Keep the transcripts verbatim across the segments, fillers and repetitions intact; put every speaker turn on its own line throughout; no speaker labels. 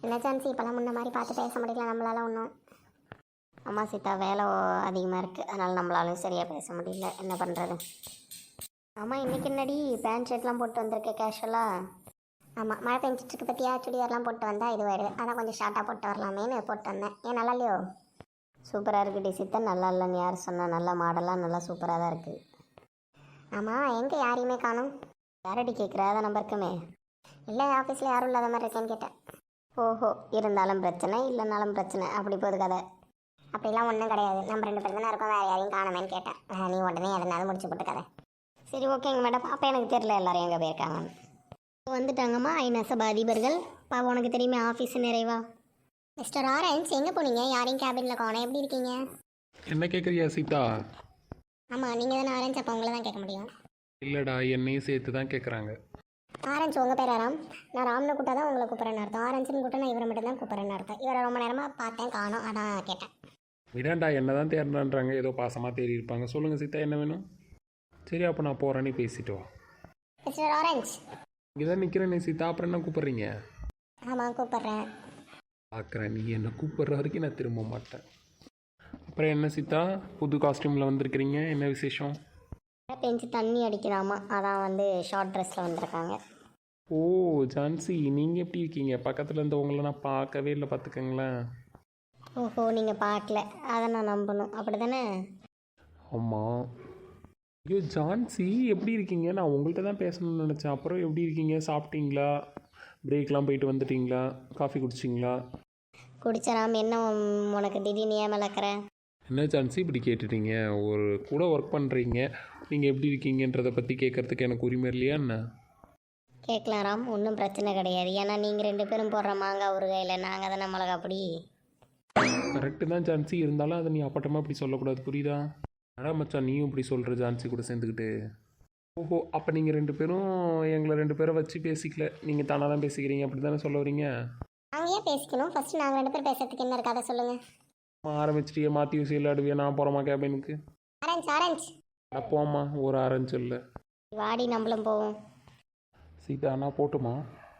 என்ன சான்ஸ் இப்போல்லாம் முன்ன மாதிரி பார்த்து பேச முடியல நம்மளால ஒன்றும். அம்மா சீதா வேலை அதிகமாக இருக்குது, அதனால் நம்மளாலும் சரியாக பேச முடியல. என்ன பண்ணுறது? ஆமாம், இன்றைக்கி என்னடி பேண்ட் ஷர்ட்லாம் போட்டு வந்திருக்கேன் கேஷுவலாக? ஆமாம், மழை பெஞ்சிட்ருக்கு பற்றியா, சுடிதார்லாம் போட்டு வந்தால் இதுவாயிடுது, அதான் கொஞ்சம் ஷார்ட்டாக போட்டு வரலாமேன்னு போட்டு வந்தேன். ஏன் நல்லா இல்லையோ? சூப்பராக இருக்குது டி சீதா. நல்லா இல்லைன்னு யார் சொன்னால்? நல்லா மாடலாக நல்லா சூப்பராக தான் இருக்குது. ஆமாம், எங்கே யாரையுமே காணும்? யாரடி கேட்குற? அதான் நம்பர் இருக்குமே. இல்லை, ஆஃபீஸில் யாரும் இல்லாத மாதிரி இருக்கேன்னு கேட்டேன். ஓஹோ, இருந்தாலும் பிரச்சனை இல்லைனாலும் பிரச்சனை, அப்படி போகுது கதை. அப்படிலாம் ஒன்றும் கிடையாது, நம்ம ரெண்டு பேர் தானே இருக்கோம், வேறு யாரையும் காணுமேன்னு கேட்டேன். நீ உடனே எதனாலும் முடிச்சு போட்டு கதை. சரி ஓகேங்க மேடம். அப்போ எனக்கு தெரியல எல்லாரும் எங்கே போயிருக்காங்கன்னு. வந்துட்டாங்கம்மா ஐநசப அதிபர்கள். பாப்பா உனக்கு தெரியுமே ஆஃபீஸ் நிறைவா. மிஸ்டர் ஆரஞ்ச் எங்கே போனீங்க? யாரையும் கேபினில் காணோம். எப்படி இருக்கீங்க?
என்ன கேட்குறியா சீதா?
ஆமாம், நீங்கள் தானே ஆரஞ்ச், அப்போ உங்களை தான் கேட்க முடியும்.
இல்லைடா, என்னையும் சேர்த்து தான் கேட்குறாங்க.
ஆரஞ்ச் உங்கள் பேர் ராம். நான் ராம்னு கூட்டா தான் உங்களை கூப்பிட்றேன்னு அர்த்தம். ஆரஞ்சுன்னு கூட்ட நான் இவரை மட்டும் தான் கூப்பிட்றேன்னு அர்த்தம். இவரை ரொம்ப நேரமாக பார்த்தேன் காணோம், அதான் கேட்டேன்.
விடாண்டா, என்ன தான் தேடுறான்றாங்க, ஏதோ பாசமாக தேடி இருப்பாங்க. சொல்லுங்கள் சீதா, என்ன வேணும்? சரி, அப்போ நான் போகிறேன்னு பேசிட்டு வா.
மிஸ்டர் ஆரஞ்ச்
இங்கே தான் நிற்கிறேன் சீதா, அப்புறம் என்ன கூப்பிட்றீங்க?
ஆமாம் கூப்பிட்றேன்.
பார்க்குறேன், நீ என்ன கூப்பிட்ற வரைக்கும் நான் திரும்ப மாட்டேன். அப்புறம் என்ன சீதா, புது காஸ்டியூமில் வந்திருக்கிறீங்க, என்ன விசேஷம்?
பெஞ்சு தண்ணி அடிக்கிறாமா, அதான் வந்து ஷார்ட் ட்ரெஸ்ஸில் வந்திருக்காங்க.
ஓ ஜான்சி, நீங்கள் எப்படி இருக்கீங்க? பக்கத்தில் இருந்தவங்கள நான் பார்க்கவே இல்லை, பார்த்துக்கங்களேன்.
ஓஹோ, நீங்கள் பார்க்கல, அதை நான் நம்பணும், அப்படி தானே?
ஆமாம். ஐயோ ஜான்சி, எப்படி இருக்கீங்க? நான் உங்கள்கிட்ட தான் பேசணும்னு நினச்சேன். அப்புறம் எப்படி இருக்கீங்க? சாப்பிட்டீங்களா? பிரேக்லாம் போயிட்டு வந்துட்டீங்களா? காஃபி குடிச்சிங்களா?
குடிச்சராம். என்ன உனக்கு திடீர்னு ஏன் மலக்கிற?
என்ன ஜான்சி இப்படி கேட்டுட்டீங்க? ஒரு கூட ஒர்க் பண்ணுறீங்க, நீங்கள் எப்படி இருக்கீங்கன்றதை பற்றி கேட்குறதுக்கு எனக்கு உரிமை இல்லையா என்ன?
கேட்கலாம் ராம், ஒன்றும் பிரச்சனை கிடையாது. ஏன்னா நீங்கள் ரெண்டு பேரும் போடுற மாங்காய் ஊறுகாயில் நாங்கள் தானே மிளகா அப்படி.
கரெக்டு தான் ஜான்சி, இருந்தாலும் அதை நீ அப்பட்டமாக இப்படி சொல்லக்கூடாது, புரியுதா? அடா மச்சான், நீயும் இப்படி சொல்கிற ஜான்சி கூட சேர்ந்துக்கிட்டு. ஓஹோ, அப்போ நீங்கள் ரெண்டு பேரும் எங்களை ரெண்டு பேரை வச்சு பேசிக்கல, நீங்கள் தானாக தான் பேசிக்கிறீங்க, அப்படி தானே சொல்ல வரீங்க?
நாங்கள் ஏன் பேசிக்கணும்? ஃபஸ்ட்டு நாங்கள் ரெண்டு பேர் பேசுறதுக்கு என்ன இருக்காத சொல்லுங்கள்.
ஆரம்பிச்சிட்டியே, மாற்றி யூஸ் விளையாடுவியா? நான் போகிறோமா கேபினுக்கு?
ஆரஞ்ச் ஆரஞ்ச்
அட போம்மா, ஒரு ஆரஞ்சு இல்லை.
வாடி நம்மளும் போவோம்.
சீதா, நான் போட்டுமா?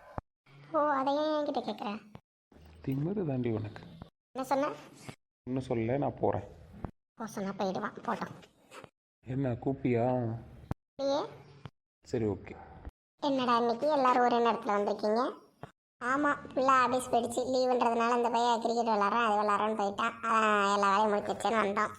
ஓ, அதை ஏன் என்கிட்ட கேட்குறேன்?
திமிரு தாண்டி உனக்கு.
என்ன சொன்ன?
இன்னும் சொல்ல, நான் போகிறேன்.
ஓ, சொன்னா போயிடுவான், போட்டோம்.
என்ன கூப்பிட்டியா?
ஏ
சரி ஓகே.
என்னடா இன்னைக்கு எல்லாரும் ஒரே நேரத்தில் வந்திருக்கீங்க? ஆமாம், ஃபுல்லாக ஆஃபீஸ் போயிடுச்சு, லீவுன்றதுனால அந்த பையன் கிரிக்கெட் விளாட்றான், அது விளாட்றான்னு போயிட்டான். எல்லா வேலையும் முடிச்சு வச்சேன்னு வந்தோம்.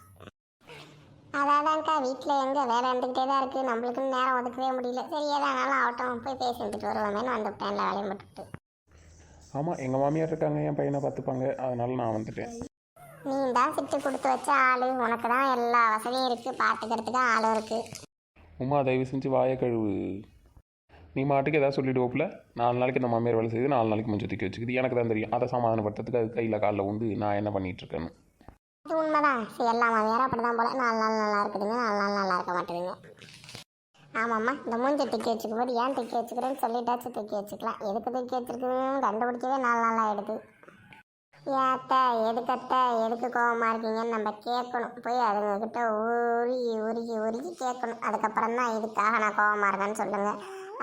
அதாதான்க்கா, வீட்டில் எங்கே வேலை இருந்துக்கிட்டே தான் இருக்குது, நம்மளுக்குன்னு நேரம் ஒதுக்கவே முடியல. சரி ஏதானாலும் ஆகட்டும், போய் பேசி வந்துட்டு வருவோமேனு வந்துவிட்டேன், எல்லா வேலையும் போட்டுட்டு.
ஆமாம், எங்கள் மாமியார் இருக்காங்க, என் பையனை பார்த்துப்பாங்க, அதனால நான் வந்துட்டேன்.
நீ தான் சிட்டு கொடுத்து வச்ச ஆள், உனக்கு தான் எல்லா வசதியும் இருக்குது, பார்த்துக்கிறதுக்கு ஆளும் இருக்குது.
உமா, தயவு செஞ்சு வாயை கழுவு. நீ மாட்டுக்கு ஏதாவது சொல்லிவிடுவோப்பில், நாலு நாளைக்கு இந்த மாமியார் வேலை செய்யுது, நாலு நாளைக்கு மஞ்சள் தூக்கி வச்சுக்குது, எனக்கு தான் தெரியும். அதை சமாதானப்படுத்துறதுக்கு அது கையில் காலில் உண்டு நான் என்ன பண்ணிகிட்ருக்கேன்னு.
அது உண்மைதான். சரி, எல்லா மாமியாரும் அப்படி தான் போல், நாலு நாள் நல்லா இருக்குதுங்க, நாலு நாள் நல்லா இருக்க மாட்டேதுங்க. ஆமாம்மா, இந்த மூஞ்சை தூக்கி வச்சுக்கும் போது ஏன் தூக்கி வச்சுக்கிறேன்னு சொல்லிட்டாச்சும் தூக்கி வச்சுக்கலாம். எதுக்கு தூக்கி வச்சுருக்குன்னு கண்டுபிடிக்கவே நாலு நாள் ஆகிடுது. ஏத்த எதுக்கத்த எதுக்கு கோபமாக இருக்கீங்கன்னு நம்ம கேட்கணும், போய் அதுங்கக்கிட்ட உருகி உருகி உருகி கேட்கணும். அதுக்கப்புறம் தான் இதுக்காக நான் கோபமாக இருக்கேன்னு சொல்லுங்கள்.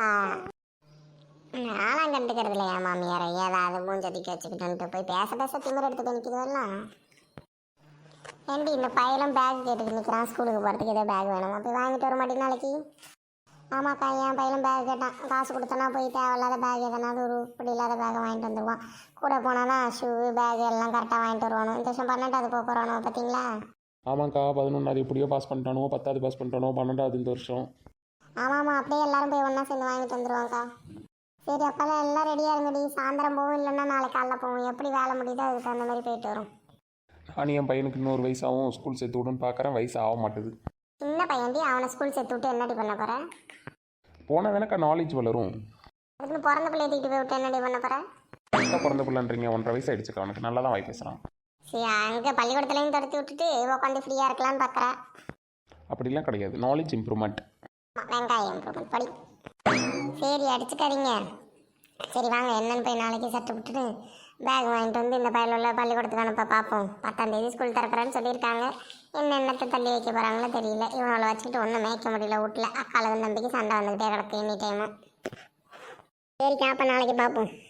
நானும் கண்டுக்கிறது இல்லையா மாமியாரை, ஏதாவது மூஞ்சதிக்க வச்சுக்கிட்டு போய் பேச பேச திமிர் எடுத்துட்டு நிற்கிறதெல்லாம். ஏண்டி இந்த பையலும் பேக் கேட்டுட்டு நிற்கிறான், ஸ்கூலுக்கு போகிறதுக்கு ஏதோ பேக் வேணுமா, போய் வாங்கிட்டு வர மாட்டேங்க நாளைக்கு? ஆமாக்கா, என் பையலும் பேக் கேட்டான், காசு கொடுத்தனா போய் தேவையில்லாத பேக் எதனாவது ஒரு இப்படி இல்லாத பேக்கை வாங்கிட்டு வந்துடுவான். கூட போனானா ஷூ பேக் எல்லாம் கரெக்டாக வாங்கிட்டு வருவானோ. இந்த வருஷம் பன்னெண்டாவது போக போகிறானோ பார்த்தீங்களா?
ஆமாக்கா, பதினொன்றாவது எப்படியோ பாஸ் பண்ணிட்டானோ, பத்தாவது பாஸ் பண்ணிட்டானோ, பன்னெண்டாவது இந்த வருஷம்.
ஆமாம்மா, அப்படியே எல்லாரும் போய் ஒன்றா சேர்ந்து வாங்கிட்டு வந்துடுவாங்க்கா. சரி, அப்போல்லாம் எல்லாம் ரெடியாக இருங்கடி, சாயந்தரம் போகும், இல்லைன்னா நாளைக்கு காலைல போகும், எப்படி வேலை முடியுதோ அதுக்கு தகுந்த மாதிரி போயிட்டு வரும்.
நான் என் பையனுக்கு இன்னொரு வயசாகவும் ஸ்கூல் சேர்த்து விடுன்னு பார்க்குறேன், வயசு ஆக மாட்டுது.
சின்ன பையன்டி, அவனை ஸ்கூல் சேர்த்து விட்டு என்னடி பண்ண போகிறேன்?
போனால் தானக்கா நாலேஜ் வளரும்.
அதுக்குன்னு பிறந்த பிள்ளைய தூக்கிட்டு போய் விட்டு என்னடி பண்ண போகிறேன்?
கரெக்டாக பிறந்த பிள்ளைன்றீங்க, ஒன்றரை வயசு ஆகிடுச்சுக்கா, அவனுக்கு நல்லா தான் வாய் பேசுகிறான்.
சரி, அங்கே பள்ளிக்கூடத்துலேயும் துரத்தி விட்டுட்டு உட்காந்து ஃப்ரீயாக இருக்கலான்னு பார்க்குறேன்.
அப்படிலாம் கிடையாது, நாலேஜ் இம்ப்ரூவ்மெண்ட்.
வெங்காயம் இம்ப்ரூவ்மெண்ட் படி. சரி, அடிச்சுக்காதீங்க. சரி வாங்க, என்னன்னு போய் நாளைக்கு சட்டை விட்டுட்டு பேக் வாங்கிட்டு வந்து இந்த பையில உள்ள பள்ளிக்கூடத்துக்கு அனுப்ப பார்ப்போம். பத்தாம் தேதி ஸ்கூல் திறக்கிறேன்னு சொல்லியிருக்காங்க. என்னென்னத்தை தள்ளி வைக்க போகிறாங்களோ தெரியல. இவங்களை வச்சுக்கிட்டு ஒன்றும் மேய்க்க முடியல வீட்டில். அக்காளுக்கு நம்பிக்கை சண்டை வந்துக்கிட்டே கிடக்கு எனி டைமும். சரிக்கா, அப்போ நாளைக்கு பார்ப்போம்.